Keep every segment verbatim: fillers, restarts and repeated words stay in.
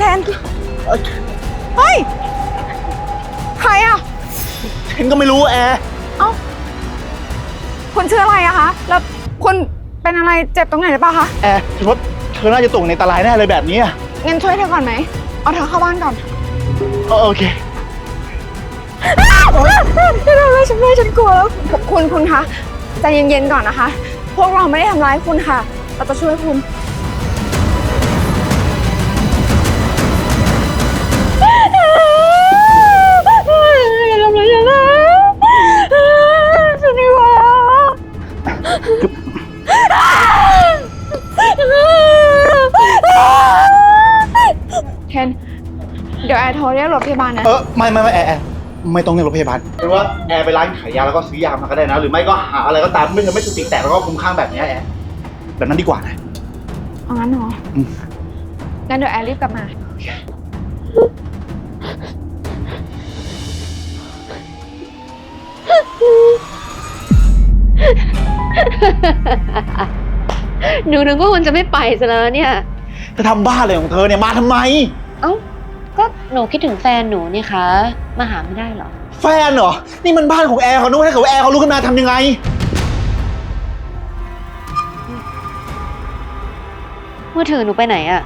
นเฮ้ยใครอะเทนก็ไม่รู้แอร์เอ้าคุณชื่ออะไรอะคะแล้วคุณเป็นอะไรเจ็บตรงไหนหรือเปล่าคะแอร์ฉันว่าเธอน่าจะตกในอันตรายแน่เลยแบบนี้อ่ะงั้นช่วยเธอก่อนไหมเอาเธอเข้าบ้านก่อนโอเคไม่ได้ไม่ฉันไม่ฉันกลัวแล้วคุณคุณคะใจเย็นๆก่อนนะคะพวกเราไม่ได้ทำร้ายคุณค่ะเราจะช่วยคุณอย่าทำอะไรฉันนะฉันกลัวเทนเดี๋ยวแอร์โทรเรียกรถพยาบาลนะเออไม่ไม่ไม่แอร์แอร์ไม่ต้องเรียกรถพยาบาลเป็นว่าแอร์ไปร้านขายยาแล้วก็ซื้อยามาก็ได้นะหรือไม่ก็หาอะไรก็ตามไม่งั้นไม่สติแตกแล้วก็คลุ้มคลั่งแบบนี้แอร์แบบนั้นดีกว่านะเอางั้นเหรองั้นเดี๋ยวแอร์รีบกลับมาหนูนึกว่าคุณจะไม่ไปซะแล้วเนี่ยเธอทำบ้าอะไรของเธอเนี่ยมาทำไมเอ้าก็หนูคิดถึงแฟนหนูนี่คะมาหาไม่ได้หรอแฟนเหรอนี่มันบ้านของแอร์เขาด้วยถ้าเกิดแอร์เขารู้ขึ้นมาทำยังไงมือถือหนูไปไหนอะ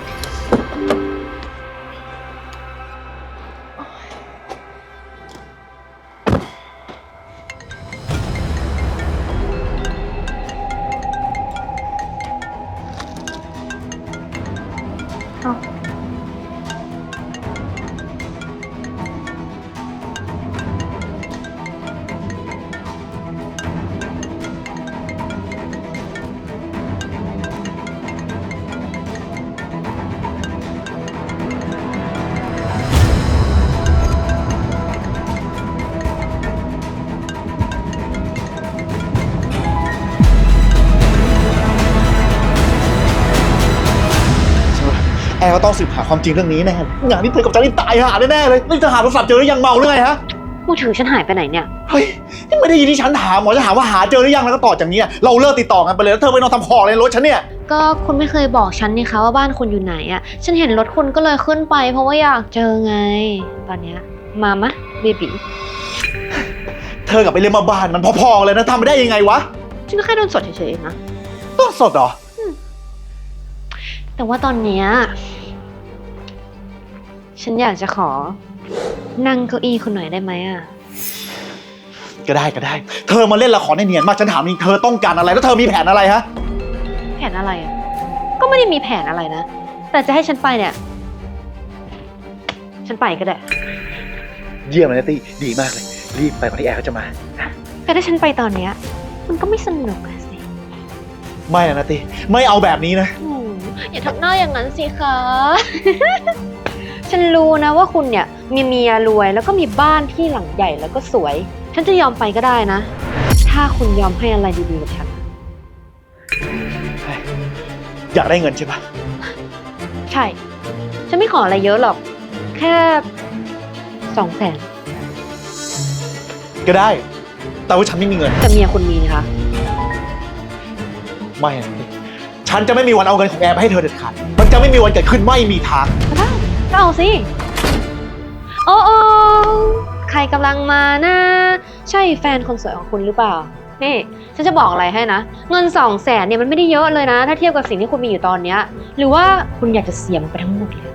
แอร์ก็ต้องสืบหาความจริงเรื่องนี้แน่งานนี้เธอกับจานี่ตายหาแน่ๆเลยนี่เธอหาโทรศัพท์เจอหรือยังเมาหรือไงฮะมือถือฉันหายไปไหนเนี่ยเฮ้ยนี่ไม่ได้ยินที่ฉันถามหมอจะถามว่าหาเจอหรือยังแล้วก็ต่อจากนี้เราเลิกติดต่อกันไปเลยแล้วเธอไปนอนทำของในรถฉันเนี่ยก็คุณไม่เคยบอกฉันนี่คะว่าบ้านคุณอยู่ไหนอะฉันเห็นรถคุณก็เลยขึ้นไปเพราะว่าอยากเจอไงตอนเนี้ยมามะเบบีเธอกับไปเรียนมาบ้านมันพอๆเลยนะทำไม่ได้ยังไงวะฉันก็แค่โดนสดเฉยๆเองนะต้นสดเหรอแต่ว่าตอนเนี้ยฉันอยากจะขอนั่งเก้าอี้คุณหน่อยได้ไหมอ่ะก็ได้ก็ได้เธอมาเล่นละครในเนียนมากฉันถามจริงเธอต้องการอะไรแล้วเธอมีแผนอะไรฮะแผนอะไรอ่ะก็ไม่ได้มีแผนอะไรนะแต่จะให้ฉันไปเนี่ยฉันไปก็ได้เยี่ยมเลยนะตี้ดีมากเลยรีบไปก่อนที่แอร์เขาจะมาแต่ถ้าฉันไปตอนเนี้ยมันก็ไม่สนุกสิไม่นะตี้ไม่เอาแบบนี้นะอย่าทำหน้าอย่างนั้นสิคะ ฉันรู้นะว่าคุณเนี่ยมีเมียรวยแล้วก็มีบ้านที่หลังใหญ่แล้วก็สวยฉันจะยอมไปก็ได้นะถ้าคุณยอมให้อะไรดีๆกับฉันอยากได้เงินใช่ปะใช่ฉันไม่ขออะไรเยอะหรอกแค่สองแสนก็ได้แต่ว่าฉันไม่มีเงินแต่เมียคุณมีนะคะไม่นะฉันจะไม่มีวันเอาเงินของแอร์ไปให้เธอเด็ดขาดมันจะไม่มีวันเกิดขึ้นไม่มีทางได้ก็เอาสิโอ้โอใครกำลังมานะใช่แฟนคนสวยของคุณหรือเปล่านี่ฉันจะบอกอะไรให้นะเงินสองแสนเนี่ยมันไม่ได้เยอะเลยนะถ้าเทียบกับสิ่งที่คุณมีอยู่ตอนเนี้ยหรือว่าคุณอยากจะเสียมันไปทั้งหมดเลย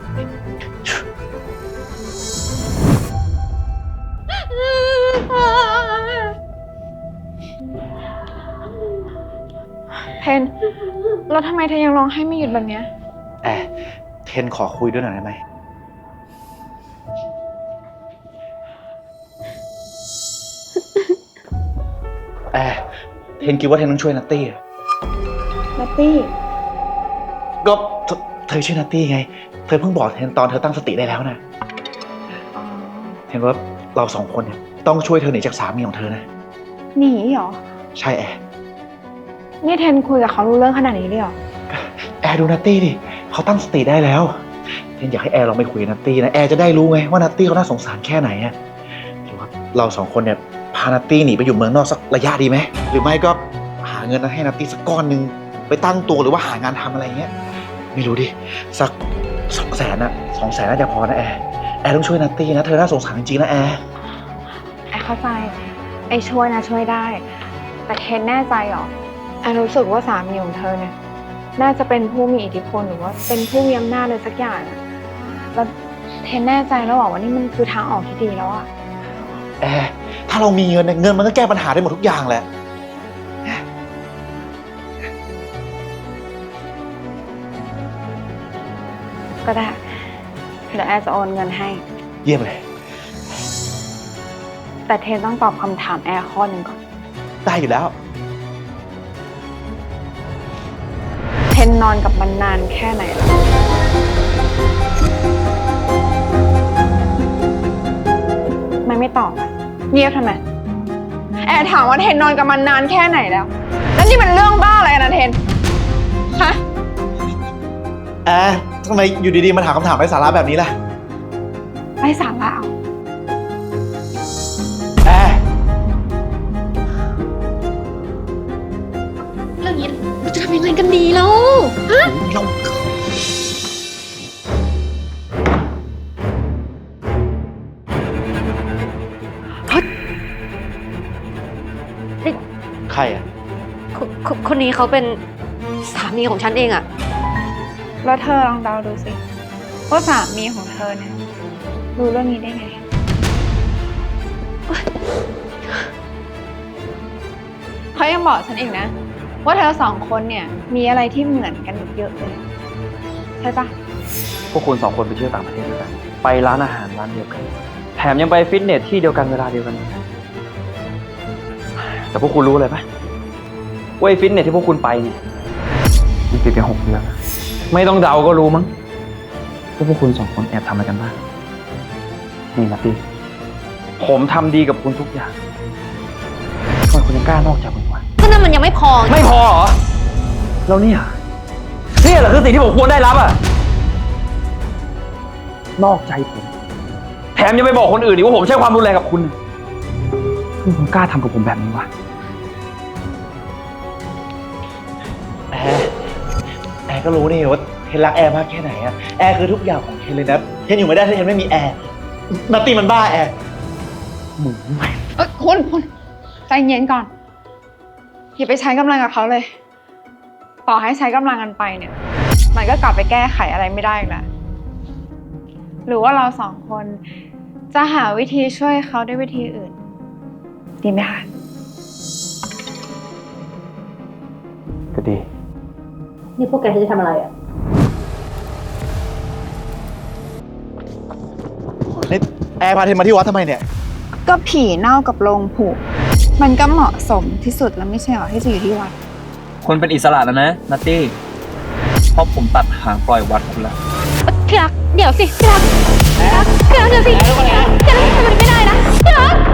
เทนแล้วทำไมเธอยังร้องไห้ไม่หยุดแบบเนี้ยแอร์เทนขอคุยด้วยหน่อยได้ไหมแอร์เทนคิดว่าเทนต้องช่วยนัตตี้อะนัตตี้ก็เธอช่วยนัตตี้ไงเธอเพิ่งบอกเทนตอนเธอตั้งสติได้แล้วนะเทนว่าเราสองคนเนี่ยต้องช่วยเธอหนีจากสามีของเธอนะหนีเหรอใช่แอร์นี่เทนคุยกับเขารู้เรื่องขนาดนี้เลยเหรอแอร์ดูนัตตี้ดิเขาตั้งสติได้แล้วเทนอยากให้แอร์ลองไปคุยกับนัตตี้นะแอร์จะได้รู้ไงว่านัตตี้เขาน่าสงสารแค่ไหนอะหรือว่าเราสองคนเนี่ยพานัตตี้หนีไปอยู่เมืองนอกสักระยะดีไหมหรือไม่ก็หาเงินให้นัตตี้สักก้อนหนึ่งไปตั้งตัวหรือว่าหางานทำอะไรเงี้ยไม่รู้ดิสักสองแสนอะสองแสนน่าจะพอนะแอร์แอร์ต้องช่วยนัตตี้นะเธอน่าสงสารจริงๆนะแอร์แอร์เข้าใจไอ้ช่วยนะช่วยได้ แต่เคนแน่ใจเหรอแอร์รู้สึกว่าสามีของเธอเนี่ยน่าจะเป็นผู้มีอิทธิพลหรือว่าเป็นผู้มีอำนาจเลยสักอย่างอะแล้วเทนแน่ใจแล้วเหรอว่านี่มันคือทางออกที่ดีแล้วอะแอร์ถ้าเรามีเงินเนี่ยเงินมันก็แก้ปัญหาได้หมดทุกอย่างแหละก็ได้เดี๋ยวแอร์จะโอนเงินให้เยี่ยมเลยแต่เทนต้องตอบคำถามแอร์ข้อหนึ่งก่อนได้อยู่แล้วเทนนอนกับมันนานแค่ไหนแล้วมันไม่ตอบอะเงียบทำไมแอร์ถามว่าเทนนอนกับมันนานแค่ไหนแล้ว แล้วนี่มันเรื่องบ้าอะไรนะเทนฮะแอร์ทำไมอยู่ดีๆมาถามคำถามไร้สาระแบบนี้ล่ะไร้สาระเอาแอร์เรื่องนี้เราจะทำยังไงกันดีแล้วฮะเรา ใครอ่ะคนคนคนนี้เขาเป็นสามีของฉันเองอะแล้วเธอลองเดาดูสิว่าสามีของเธอเนี่ยรู้เรื่องนี้ได้ไงเขายังบอกฉันอีกนะ ว่าเธอสองคนเนี่ยมีอะไรที่เหมือนกันเยอะเลยใช่ปะพวกคุณสองคนไปเที่ยวต่างประเทศด้วยกัน ไปร้านอาหารร้านเดียวกัน แถมยังไปฟิตเนสที่เดียวกันเวลาเดียวกัน แต่พวกคุณรู้เลยปะว่าไอ้ฟิตเนสที่พวกคุณไปเนี่ยมันปิดไปหกเดือนแล้วไม่ต้องเดาก็รู้มั้งว่าพวกคุณสองคนแอบทำอะไรกันบ้าง นี่นะพี่ผมทำดีกับคุณทุกอย่างทำไมคุณยังกล้านอกใจผมวะก็นั่นมันยังไม่พอไม่พอเหรอ แล้วเนี่ยเนี่ยเหรอคือสิ่งที่ผมควรได้รับอ่ะ นอกใจผม แถมยังไปบอกคนอื่นอีกว่าผมใช้ความรุนแรงกับคุณทำไมคุณกล้าทำกับผมแบบนี้วะแอร์แอร์ก็รู้นี่ว่าเทนรักแอร์มากแค่ไหนอะแอร์คือทุกอย่างของเทนเลยนะเทนอยู่ไม่ได้ถ้าเทนไม่มีแอร์นัตตี้มันบ้าแอร์หมูใหม่เอ้ยคุณคุณใจเย็นก่อนอย่าไปใช้กำลังกับเขาเลย ต่อให้ใช้กำลังกันไปเนี่ย มันก็กลับไปแก้ไขอะไรไม่ได้อีกแล้วหรือว่าเราสองคนจะหาวิธีช่วยเขาด้วยวิธีอื่น ดีไหมคะก็ดีนี่พวกแกจะทำอะไรอะนี่แอร์พาเทนมาที่วัดทำไมเนี่ยก็ผีเน่ากับโลงผุมันก็เหมาะสมที่สุดแล้วไม่ใช่หรอที่จะอยู่ที่วัดคนเป็นอิสระแล้วนะนัตตี้เพราะผมตัดหางปล่อยวัดคุณแล้วที่รักเดี๋ยวสิที่รักที่รักที่รักเดี๋ยวสิที่รักทำมันไม่ได้นะที่รัก